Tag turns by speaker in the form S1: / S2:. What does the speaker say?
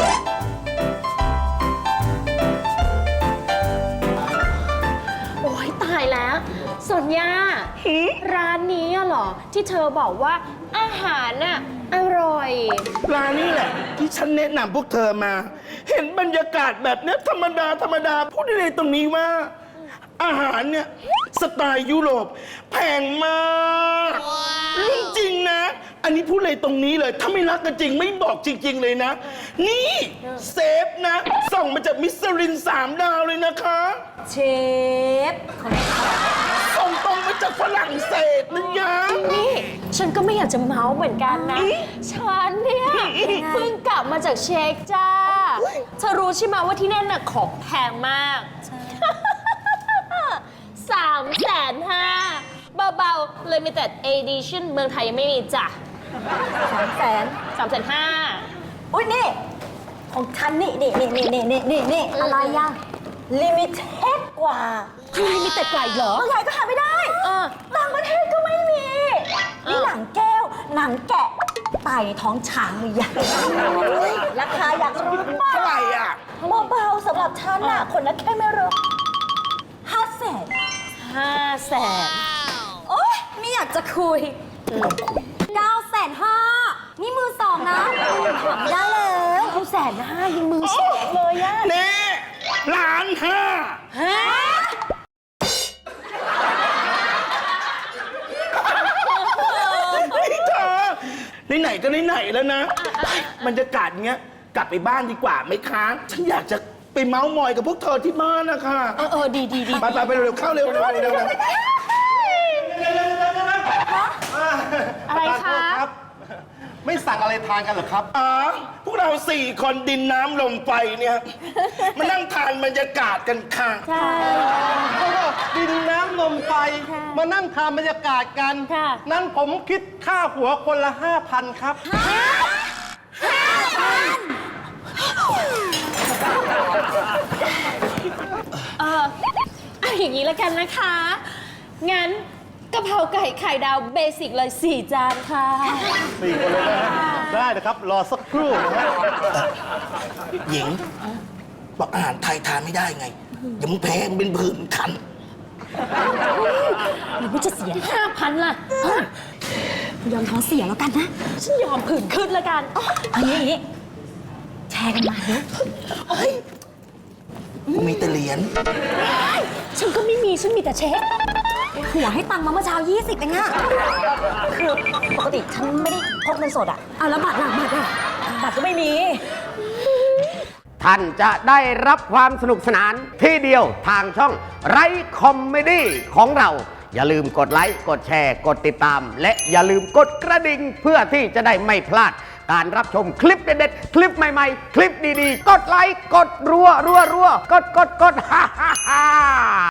S1: โอ้ยตายแล้วสนญาร้านนี้เหรอที่เธอบอกว่าอาหารน่ะอร่อย
S2: ร้านนี้แหละที่ฉันแนะนำพวกเธอมา เห็นบรรยากาศแบบเนี้ยธรรมดาพูดได้เลยตรงนี้ว่า อาหารเนี่ยสไตล์ยุโรปแพงมากเรื่องจริงนะ อันนี้พูดเลยตรงนี้เลยถ้าไม่รักกันจริงไม่บอกจริง ๆเลยนะ นี่เซฟนะส่งมาจากมิชลิน3 ดาวเลยนะคะ
S3: เชฟ
S2: ส่งตรงมาจากฝรั่งเศสนะยะ
S1: นี่ฉันก็ไม่อยากจะเมาส์เหมือนกันนะ ฉันเนี่ยเพิ่งกลับมาจากเช็กจ้าเธอรู้ใช่ไหมว่าที่นั่นน่ะของแพงมาก350,000เบาๆ Limited Edition เมืองไทยยังไม่มีจ้ะ350,000
S3: อุ้ยนี่ ของฉันนี่อะไรอ่ะลิมิเต็ดกว่า
S1: คือลิมิเต็ดกว่าอีกเหรอ
S3: เมืองไทยก็หาไม่ได้ต่างประเทศก็ไม่มี นี่หนังแก้ว หนังแกะไต่ท้องช้างเลยอย่างราคาอยากรู้มาก
S2: เท่าไหร่อ่ะ
S3: เบาๆสำหรับฉันน่ะ คนละแค่ไม่รู้500,000
S1: 500,000
S3: โอ๊ยไม่อยากจะคุย950,000นี่มือสองนะได้แล้ว
S1: 950,000ยังมือสองเลยอะ
S2: เน่1,500,000
S1: ฮะ
S2: นี่เธอไหนๆก็ไหนๆแล้วนะบรรยากาศเงี้ยกลับไปบ้านดีกว่าไหมคะฉันอยากจะไปเมาส์มอยกับพวกเธอที่บ้านนะคะ
S1: ดี
S2: ไปเร็วๆเข้าเร็วๆ
S1: อะไรคะ
S4: ไม่สั่งอะไรทานกันเหรอครับ
S2: อ๋อพวกเรา4 คนดินน้ำลมไฟเนี่ยมานั่งทานบรรยากาศกันค่ะ
S1: ใช่
S4: ดินน้ำลมไฟมานั่งทานบรรยากาศกัน
S1: ค่ะ
S4: นั้นผมคิดค่าหัวคนละ 5,000 ครับ
S1: เอาอย่างนี้ละกันนะคะ งั้นกะเพราไก่ไข่ดาวเบสิกเลย4 จานค่ะ
S4: 4 คนเลยนะฮะได้นะครับ รอสักครู่นะฮะ
S2: หญิงบอกอาหารไทยทานไม่ได้ไงอย่ามึงแพ้มึงเป็นผื่นคัน
S1: หรือว่าจะเสีย 5,000 ล่ะ
S3: ยอมท้องเสียแล้วกันนะ
S1: ฉันยอมผื่นขึ้นละกัน
S3: เอาอย่างนี้แชร์กันมาเนอะ
S2: กูมีแต่เหรียญ
S1: ฉันก็ไม่มี ฉันมีแต่เช็ค
S3: หัวให้ตังค์มาเมื่อเช้า20เองอะคือปกติฉันไม่ได้พกเงินสดอะเอาแล้วบัตรล่ะบัตรก็ไม่มี
S5: ท่านจะได้รับความสนุกสนานที่เดียวทางช่องไรคอมเมดี้ของเรา อย่าลืมกดไลค์กดแชร์กดติดตาม และอย่าลืมกดกระดิ่งเพื่อที่จะได้ไม่พลาดการรับชมคลิปเด็ดๆ คลิปใหม่ๆ คลิปดีๆ กดไลค์กดรัวกดฮ่า